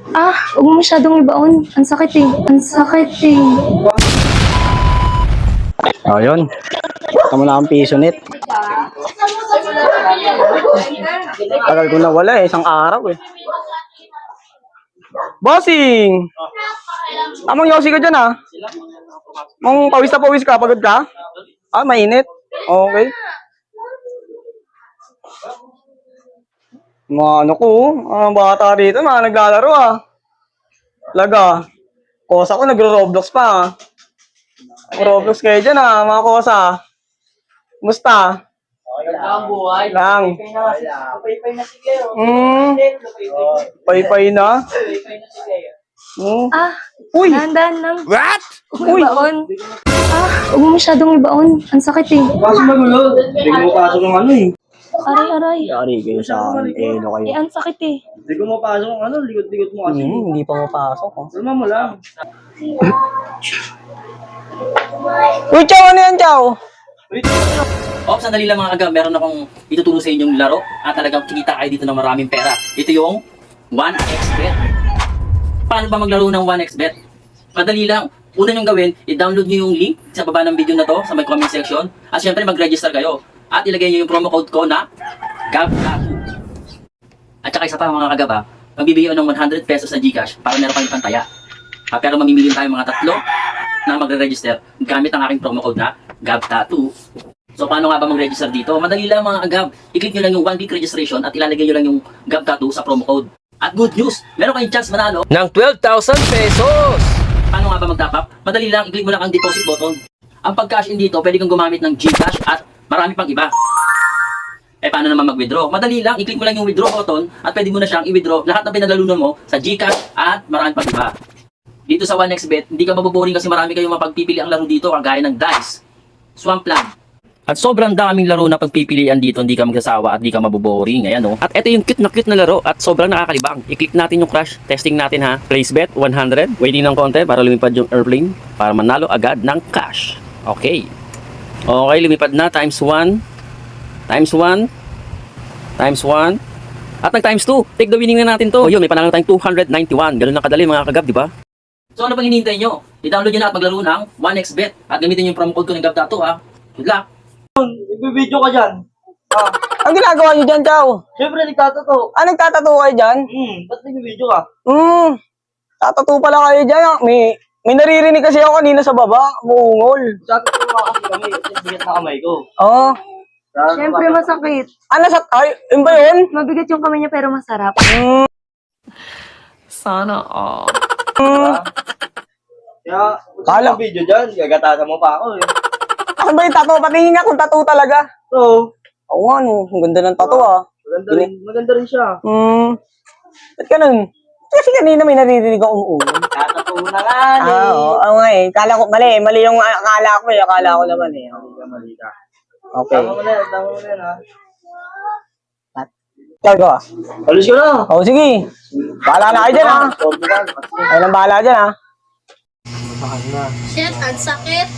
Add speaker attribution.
Speaker 1: Huwag mo masyadong ibaon. Ang sakit eh. Ang sakit eh.
Speaker 2: O, yun. Tama na ang piso net. Tagal ko na wala eh. Isang araw eh. Bossing! Amang yosi ka dyan ah. Mong pawis na pawis ka. Pagod ka? Mainit. Okay. Mga ano ko, mga bata rito, mga naglalaro ah. Laga. Kosa ko, nagro-Roblox pa ah. Roblox kayo dyan ah, mga kosa. Musta?
Speaker 3: Ang buhay.
Speaker 2: Lang.
Speaker 3: Paypay na sige.
Speaker 2: Pay-pay na. Uy!
Speaker 1: Dahan-dahan lang.
Speaker 2: What?
Speaker 1: Uy! Ibaon. Huwag mo masyadong ibaon. Ang sakit eh.
Speaker 2: Kaso magulo. Hindi ko mapasok ng ano eh.
Speaker 1: Aray.
Speaker 2: Yari kayo sa akin. Elo kayo.
Speaker 1: Ang sakit eh.
Speaker 2: Hindi ko mapasok ng ano. Likod-likod mo kasi. Hindi pa mapasok. Kalma mo lang. Uy, Chow! Ano yan, Chow?
Speaker 3: Ops, sandali lang mga agam. Meron akong ituturo sa inyong laro at talagang kikita kayo dito ng maraming pera. Ito yung 1xBet. Paano ba maglaro ng 1xBet? Madali lang. Una nyo gawin, i-download nyo yung link sa baba ng video na to, sa may comment section. At syempre mag-register kayo. At ilagay nyo yung promo code ko na GABTATU. At saka isa pa mga kagaba, magbibigay ng 100 pesos na Gcash para meron kayong pantaya. Pero mamimili tayo mga tatlo na magre-register gamit ang aking promo code na GABTATU. So paano nga ba mag-register dito? Madali lang mga agab. I-click nyo lang yung 1 week registration at ilalagay nyo lang yung GABTATU sa promo code. At good news, meron kayong chance manalo
Speaker 4: ng 12,000 pesos!
Speaker 3: Paano nga ba mag-top up? Madali lang, i-click mo lang ang deposit button. Ang pag-cash in dito, pwede kang gumamit ng Gcash at marami pang iba. Paano naman mag-withdraw? Madali lang, i-click mo lang yung withdraw button at pwede mo na siyang i-withdraw lahat ng pinaglalunan mo sa Gcash at marami pang iba. Dito sa 1xBet, hindi ka maboboring kasi marami kayong mapagpipili ang laro dito kagaya ng Dice, Swampland. At sobrang daming laro na pagpipilian dito, hindi ka magsasawa at hindi ka maboboring. Ayan, oh. At ito yung cute na laro at sobrang nakakalibang. I-click natin yung crash, testing natin ha. Place bet 100, waiting ng konti para lumipad yung airplane para manalo agad ng cash. Okay. Okay, lumipad na times 1, times 1, times 1, at nag times 2. Take the winning na natin to. O yun, may panalo tayong 291. Ganun na kadali mga kagab, di ba? So ano pang hinihintay nyo? I-download nyo na at maglaro ng 1xBet at gamitin yung promo code ko ng GABTATU ha. Good luck!
Speaker 5: Nagbe-video ka dyan.
Speaker 2: Ang ginagawa niyo dyan, Chow?
Speaker 5: Siyempre, nagtatato.
Speaker 2: Nagtatato kayo dyan?
Speaker 5: Ba't nagbe-video ka?
Speaker 2: Tatato pala kayo dyan. May naririnig kasi ako kanina sa baba. Muungol.
Speaker 5: Tatato nga kasi kami. Kasi bigat na kamay ko.
Speaker 2: Oo.
Speaker 1: Siyempre masakit.
Speaker 2: Yun ba yun?
Speaker 1: Mabigat yung kamay niya pero masarap.
Speaker 6: Sana all.
Speaker 5: Kaya,
Speaker 2: Kala-
Speaker 5: kung video dyan, gagatasan mo pa ako eh.
Speaker 2: Ano ba yung tato? Patingin nga kung tato talaga.
Speaker 5: So,
Speaker 2: Oo nga, no. Ang ganda ng tato, ah.
Speaker 5: maganda rin siya.
Speaker 2: Ba't ganun? Kasi kanina may naririnig akong umuungol.
Speaker 5: Tatato mo na nga eh.
Speaker 2: Oo nga eh. Kala ko, mali yung akala ko eh. Akala ko naman eh.
Speaker 5: Mali ka.
Speaker 2: Okay.
Speaker 5: Tama mo na yan ha.
Speaker 2: Ikaw ka.
Speaker 5: Alis ko na.
Speaker 2: Oo, sige. Bahala na kayo dyan, ha. Ayun ang bahala dyan, ha.
Speaker 1: Shit, ang sakit.